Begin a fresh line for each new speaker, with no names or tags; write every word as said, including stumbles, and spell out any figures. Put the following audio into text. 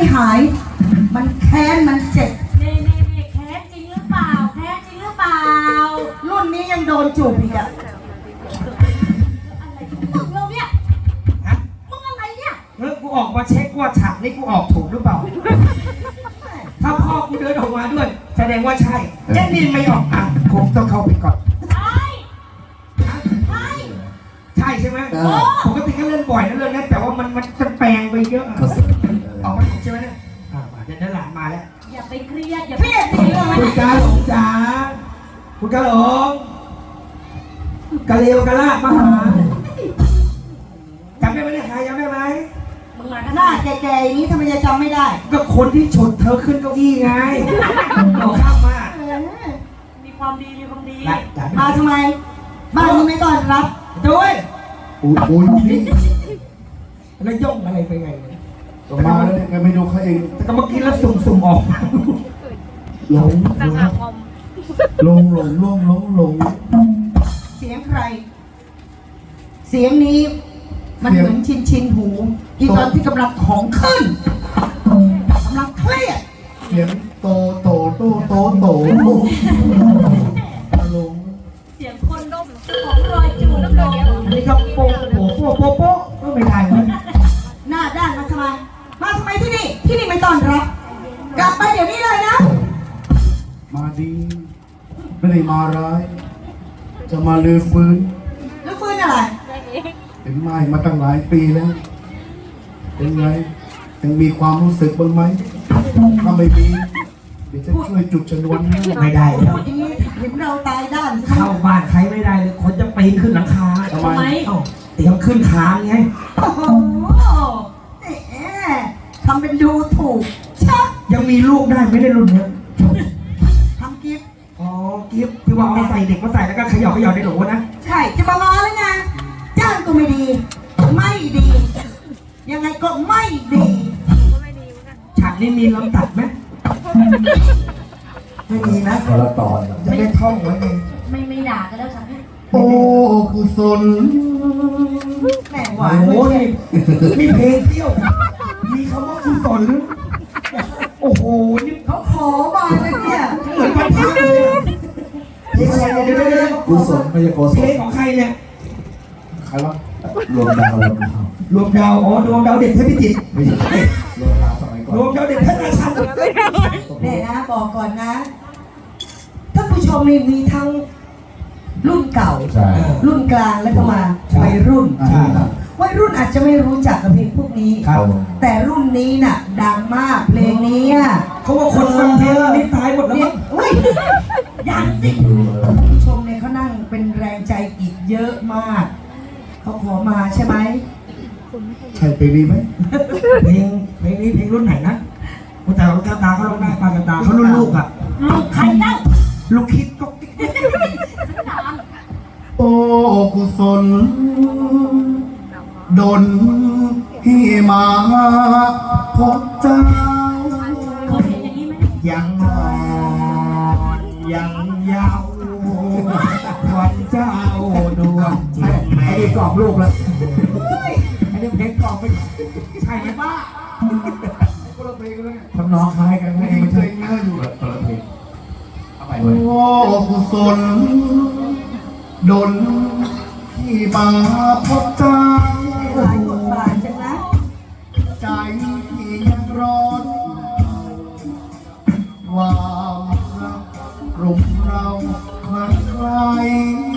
หายมันแค้นมันเจ็บ
เน่เน่เน่แค้นจริงหรือเปล่าแค้นจริงหรือเปล่า
รุ่นนี้ยังโดนจูบอีกอะ
อะไรมึงเราเนี่ย
ฮะ
มึงอะไรเนี่ย
เฮ้ยกูออกมาเช็คว่าฉากนี้กูออกถูกหรือเปล่าถ้าพ่อกูเดินออกมาด้วยแสดงว่าใช่เจนนี่ไม่ออกอ่ะผมต้องเข้าไปก่อน
ใช่ใช่
ใช่ใช่ไหมปกติก็เล่นบ่อยนะเรื่องนี้แต่ว่ามันมันจะแปลงไปเยอะอะออกมาถูกใช่ไหมเนี่ยอ่ามาเดี๋ยวด้านหลังมาแล้ว
อย่าไปเครียดอย่า
เครียดสิ
คุณกาหลงจ๋าคุณกาหลงกะเลวกะลาดมาหาจำได้ไหมเนี่ยใครจำได้ไหม
มึงมา
ห
กัน
น้าแก่ๆอย่างนี้ทำไมจะจำไม่ได้
ก็คนที่ฉุดเธอขึ้นเก้าอี้ไงเอาข้ามมา
เออ
มีความดีมีความดี
ละจ๋า
มาทำไมบ้านนี้ไม่ต้อนรับ
ด้วย
โอ้โห
นี่แล้วย่องอะไรไปไงเนี่ย
ก็มาแล้วเนี่ยไม่ดูเขาเอง
แต่ก็เมื่อกี้แล้วสุ่มๆออกมา
หลงหลงหลงหลงหลงหลง
เสียงใคร เสียงนี้มันเหมือนชินชินหูที่ตอนที่กำลังของขึ้นกำลังเครียด
เสียงโตโตโตโตโตหลง
เสียงคนดมของรอยจูบน้ำลาย
อันนี้ก็โป๊ะโป๊ะโป๊ะโป๊ะโป๊ะก็ไม่ได้เลย
หน้าด้านมาทำไมมาทำไมที่นี่ที่นี่ไม่ต้อนรับ กลับไปเดี๋ยวนี้เลยนะ
มาดีไม่ได้มาร้าย จะมาลือฟื้น
แล้วฟื้นอะไร
เห็นไหมมาตั้งหลายปีแล้ว เป็นไงยังมีความรู้สึกบ้างไหมถ้าไม่มีเดี๋ยวจะช่วยจุดชนวนให้
ไม่ได้แล้
พู
ว
ดอย่างนี้เห็นเราตายด้าน
เข้าบ้านใครไม่ได้เลยคนจะปีนขึ้นหลังคา
ทำไม
เอ้าเตรียมขึ้นคานไง
โอ้โหแหมทำเป็นดูถูกชัก
ยังมีลูกได้ไม่ได้รุ่นเนี้ย
ทำกิฟต์
อ๋อกิฟต์ที่ว่าเอาใส่เด็กมาใส่แล้วก็เขย่าเขย่าในโหลนะ
ใช่จะมางอแล้วไงจ้างก็ไม่ดี ไม่ดี ยังไงก็ไม่ดี
ฉากนี้มีลำตัดไหมไม่มีนะ
คนละตอน
จะได้ท่องไว้เอง
ไม่ไม่ด่ากันแล้วฉันให้
โอ้กุศล
แหมห
โอ้
วาน
โห
ไม่ใช่
นี่มีเพลงเที่ยว มีคำว่าคุณสอนหรือโอ้โหนี่
เขาขอมาเลยเนี่ย
เหมือนวันพักเลยอะเพลงอะไรเนี่ยเดี๋ยวเดี๋ยวเดี๋ยว
กุศลไม่ใช่โกศ
เพล
ล
งของใครเนี่ย
ใครวะรวมดาวรวมดาว
รวมดาวอ๋อรวมดาวเด็กเพชรพิจิตร
ไม่ใช่รวมดาวสมัยก่อน
รวมดาวเด็กเพชรราชัน
เนี่ยนะบอกก่อนนะท่านผู้ชมมีมีทั้งรุ่นเก่า
ใช่
รุ่นกลางแล้วก็มาวัยรุ่น
ใช่
วัยรุ่นอาจจะไม่รู้จักกับเพลงพวกนี้
ครับ
แต่รุ่นนี้น่ะ ดังมากเพลงนี้อ่ะ
เขาว่าคนฟังเพลงนี้ตายหมดแล้ว
เนี่
มั้ง
ยอุ้ย
ยังสิ
ผู้ชมเนี่ยเขานั่งเป็นแรงใจอีกเยอะมาก เขาขอมาใช่ไหม
ใช่ไปดีไหม
เพลงเพลงนี้เพลงรุ่นไหนนะแต่เราตาตาเขาลงได้ปลากระตาเขารุ่นลูกอ่ะ
ลูกใครเล่า
ลูกคิดก็กิ๊ก
ถาม
โอ้กุศลดนให้มาพบเจ้า
เคยเห็นอย่างนี้ไหม
ยังนอนยังยาววันเจ้าดวงจิตไอ้นี่กรอบลูกแล้วไอ้นี่เพลงกรอบไปใช่ไหมป้า
คนละเพลงกันแล้วเนี่ย
ทำนองคล้ายกันไหม
เพลง
ไม่
เพล
ใช่
งนี้ก็อยู่แบบคนละเพลง
เอาไป
โอ้กุศลดนที่มาพบเจ้า
หลายบทบาทจังนะ
ใจที่ยังร้อนความรักกลุ่มเราคลังไคล้